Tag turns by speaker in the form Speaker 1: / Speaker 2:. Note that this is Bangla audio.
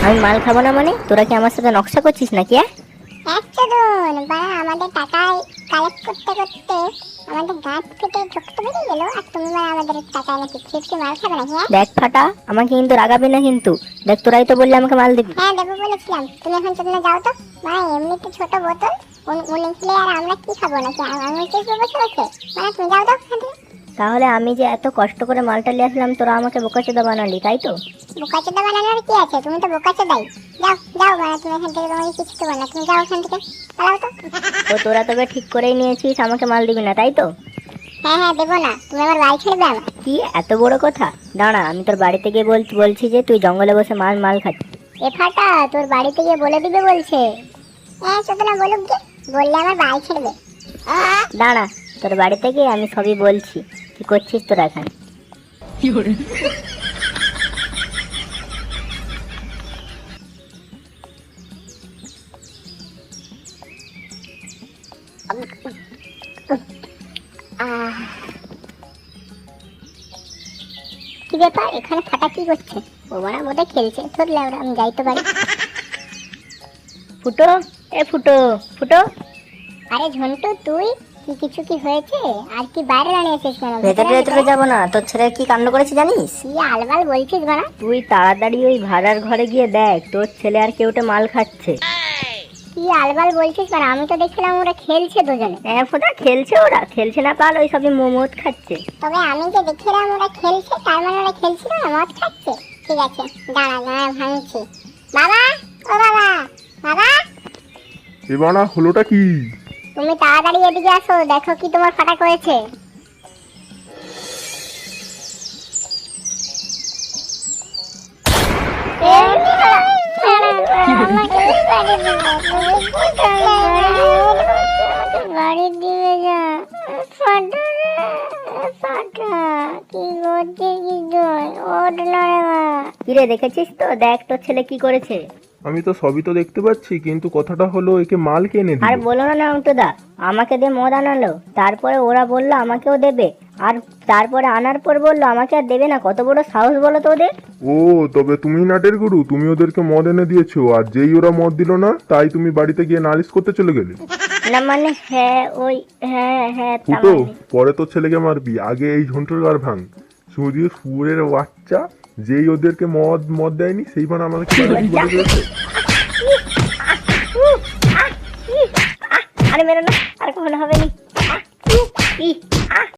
Speaker 1: আমি মাল খাবো না মানে? তোরা কি আমার সাথে নকশা করছিস নাকি?
Speaker 2: আমাদের টাকায় কালেক্ট করতে করতে আমাদের গাছ ফেটে রক্ত বেরিয়ে গেল, আর তুমি আমাদের টাকায় নাকি ফিফটি মাল খাবে নাকি?
Speaker 1: দেখ ফাটা, আমাকে কিন্তু রাগাবি না কিন্তু। দেখ তোরাই তো বললে আমাকে মাল দিবি।
Speaker 2: হ্যাঁ দেবো বলেছিলাম, তুমি এখন চলে যাও তো। এমনিতে ছোট বোতল উনি খেলে আর আমরা কি খাবো নাকি? আমি চেষ্টা বসে বসে তুমি যাও তো এখান থেকে।
Speaker 1: তাহলে আমি যে এত কষ্ট করে মালটা নিয়ে আসলাম, তোরা আমাকে বোকাচোদা বানালি, তাই তো?
Speaker 2: বোকাচোদা বানানোর কি আছে? তুমি তো বোকাচোদাই। যাও যাও, তুমি এখান থেকে, তোমাকে কিছু দেবো না, তুমি যাও এখান থেকে, পালাও তো।
Speaker 1: তো তোরা তবে ঠিক করেই নিয়েছিস আমাকে মাল দিবি না, তাই তো?
Speaker 2: হ্যাঁ হ্যাঁ দেবো না, তুমি আমার বাড়ি ছেড়ে দাও।
Speaker 1: কি এত বড় কথা? দাঁড়া, আমি তোর বাড়িতে গিয়ে বলছি যে তুই জঙ্গলে বসে মাল খাচ্ছিস।
Speaker 2: এ ফাটা, তোর বাড়িতে গিয়ে বলে দিবে বলছে। হ্যাঁ চোদনা বলুক গে, বললে আমার বাড়ি ছেড়ে দে।
Speaker 1: দাঁড়া, তোর বাড়িতে গিয়ে আমি সবই বলছি। কি করছিস তোরা এখানে?
Speaker 2: কি ব্যাপার, এখানে ফাটা কি করছে? ও বড়া বোধ খেলছে। ধরলে আমি যাই তো বাড়ি।
Speaker 1: ফুটো, এ ফুটো ফুটো।
Speaker 2: আরে ঝন্টু, তুই কিছু কি হয়েছে? আর কি বাইরে দাঁড়িয়েছিস কেন?
Speaker 1: ভেতরে যাবো না? তোর ছেলে কি কাণ্ড করেছে জানিস?
Speaker 2: কি আলবাল বলছিস বাড়া?
Speaker 1: তুই তাড়াতাড়ি ওই ভাড়ার ঘরে গিয়ে দেখ তোর ছেলে আর কেউটে মাল খাচ্ছে।
Speaker 2: কি আলবাল বলছিস বাড়া? আমি তো দেখছিলাম ওরা খেলছে দুজনে।
Speaker 1: হ্যাঁ ফোটা, খেলছে, ওরা খেলছে না পাল, ওই সবই মোমোদ খাচ্ছে।
Speaker 2: তবে আমি যে দেখছিলাম ওরা খেলছে, তার মানে ওরা খেলছিল না, মদ খাচ্ছে। ঠিক আছে, দাঁড়া ভাঙছি। বাবা, ও বাবা, বাবা।
Speaker 3: এবারে হলোটা কি?
Speaker 2: তুমি তাড়াতাড়ি এদিকে আসো, দেখো কি তোমার ফাটা করেছে। বাড়ির দিকে যা। ফাটা কি করছে? কি ওঠ না রে মা।
Speaker 1: কিরে দেখেছিস তো? দেখ তোর ছেলে কি করেছে।
Speaker 3: আমি তো সবই তো দেখতে পাচ্ছি, কিন্তু কথাটা হলো একে মাল কে এনে
Speaker 1: আর
Speaker 3: দিল?
Speaker 1: বলো না অঙ্কদা, আমাকে দিয়ে মদ আনালো, তারপরে ওরা বললো আমাকেও দেবে, আর তারপরে আনার পর বললো আমাকে আর দেবে না। কত বড় সাহস বলো তো ওদের।
Speaker 3: ও, তবে তুমি নাটের গুরু, তুমি ওদেরকে মদ এনে দিয়েছো, আর যেই ওরা মদ দিল না তাই তুমি বাড়িতে গিয়ে নালিশ করতে চলে গেলে।
Speaker 1: না মানে হ্যাঁ, ওই হ্যাঁ তা
Speaker 3: ফুটো,
Speaker 1: মানে।
Speaker 3: পরে তোর ছেলেকে মারবি, আগে এই ঝন্টুর গার ভাঙ। শুধু সুরের বাচ্চা, যেই ওদেরকে মদ দেয়নি সেই মানে আমাদেরকে বলে দিয়েছে।
Speaker 1: আরে মেরো না, আর কখনো হবে নি।